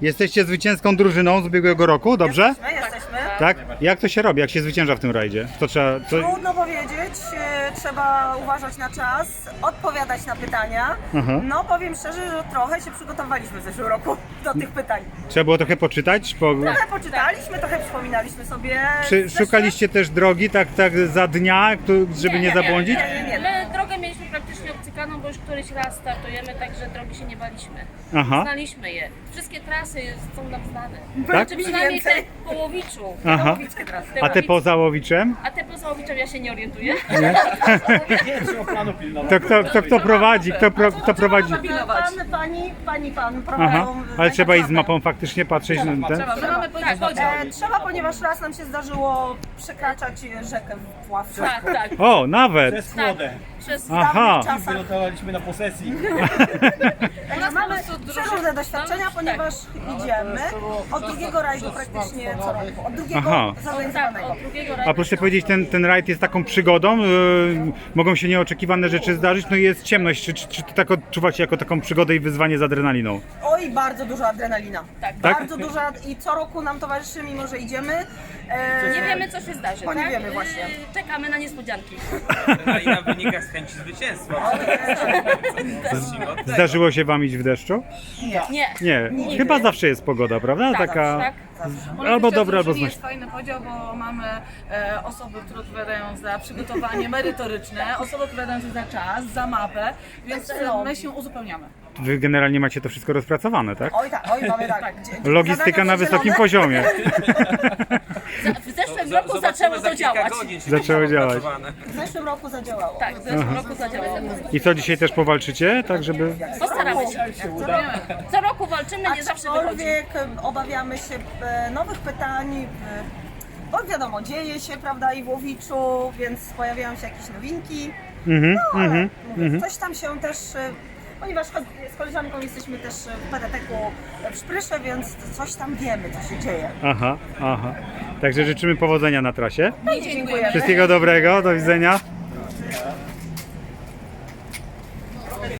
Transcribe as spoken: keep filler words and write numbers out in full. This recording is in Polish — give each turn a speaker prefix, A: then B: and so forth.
A: Jesteście zwycięską drużyną z ubiegłego roku, dobrze?
B: Jesteśmy, jesteśmy.
A: Tak? Jak to się robi? Jak się zwycięża w tym rajdzie? To trzeba... To...
B: Trudno powiedzieć, e, trzeba uważać na czas, odpowiadać na pytania.
A: Aha.
B: No powiem szczerze, że trochę się przygotowaliśmy w zeszłym roku do tych pytań.
A: Trzeba było trochę poczytać? Po...
B: Trochę poczytaliśmy, trochę przypominaliśmy sobie.
A: Czy
B: zeszłe-
A: szukaliście też drogi tak, tak za dnia, tu- żeby nie, zabłądzić?
B: nie, nie, nie.
C: My drogę mieliśmy praktycznie obcykaną, bo już któryś raz startujemy, także drogi się nie baliśmy.
A: Aha.
C: Znaliśmy je. Wszystkie trasy są nam znane.
A: Tak?
C: Czy przynajmniej te
B: Więcej.
C: w Połowiczu.
A: Aha.
B: Łowickie teraz.
C: Te
A: A te
C: Łowic-
A: poza Łowiczem?
C: A te poza Łowiczem ja się nie orientuję.
A: To kto, kto, kto prowadzi? Kto, pro, kto prowadzi?
B: Pan, pani, pani, pan
A: Aha.
B: prowadzą.
A: Ale
B: tak
A: trzeba iść z
B: naprawdę.
A: mapą faktycznie patrzeć na ten?
C: My mamy powiedzieć podział.
B: E, trzeba, ponieważ raz nam się zdarzyło przekraczać rzekę w Pławcu.
C: Tak, tak.
A: O, nawet!
D: Przez wodę.
C: Przez
A: Aha.
B: W czasach.
D: Wylądowaliśmy na posesji.
B: Także mamy przeróżne doświadczenia, ponieważ idziemy od drugiego rajdu praktycznie co roku. Od drugiego
A: Aha.
C: tak,
B: zorganizowanego.
C: od drugiego
A: A proszę powiedzieć, ten, ten rajd jest taką przygodą? Yy, mogą się nieoczekiwane rzeczy zdarzyć? No i jest ciemność. Czy, czy, czy to tak odczuwacie jako taką przygodę i wyzwanie z adrenaliną?
B: Oj, bardzo duża adrenalina.
C: Tak.
B: Bardzo duża i co roku nam towarzyszy, mimo że idziemy. E,
C: Nie wiemy, co się zdarzy.
B: Bo nie
C: tak?
B: wiemy właśnie.
C: Yy, Czekamy na niespodzianki.
E: Adrenalina wynika z chęci zwycięstwa. Zacznijmy od tego.
A: Zdarzyło się wam iść w deszczu?
C: Nie.
A: Nie. Chyba zawsze jest pogoda, prawda?
C: Tak,
A: Taka
C: tak.
A: albo dobra, albo
F: drużynie
A: znośna.
F: jest fajny podział, bo mamy e, osoby, które odpowiadają za przygotowanie merytoryczne, osoby odpowiadające za czas, za mapę, więc e, my się uzupełniamy.
A: Wy generalnie macie to wszystko rozpracowane, tak?
B: Oj tak, oj mamy tak. Dzie-
A: Logistyka
B: zadania
A: na wysokim
B: przydzielone.
A: poziomie.
C: Za- W zeszłym
E: Za-
C: roku
E: zobaczymy
C: zaczęło
E: za
C: to
E: kilka
C: działać.
E: godzin, czy
A: Zaczęło
E: to
A: działać.
E: opracowane.
B: W zeszłym roku zadziałało.
C: Tak, w zeszłym roku zadziałało.
A: I co, dzisiaj też powalczycie, tak żeby...
C: Postaramy się. Co roku walczymy, nie zawsze wychodzi.
B: Aczkolwiek e, obawiamy się e, nowych pytań, e, bo wiadomo, dzieje się, prawda, i w Łowiczu, więc pojawiają się jakieś nowinki.
A: Mhm,
B: No, ale
A: mhm,
B: mówię, coś tam się też, e, ponieważ cho- z koleżanką jesteśmy też w P D T-ku w Szprysze, więc coś tam wiemy, co się dzieje.
A: Aha, aha. Także życzymy powodzenia na trasie.
B: Dziękujemy.
A: Wszystkiego dobrego, do widzenia.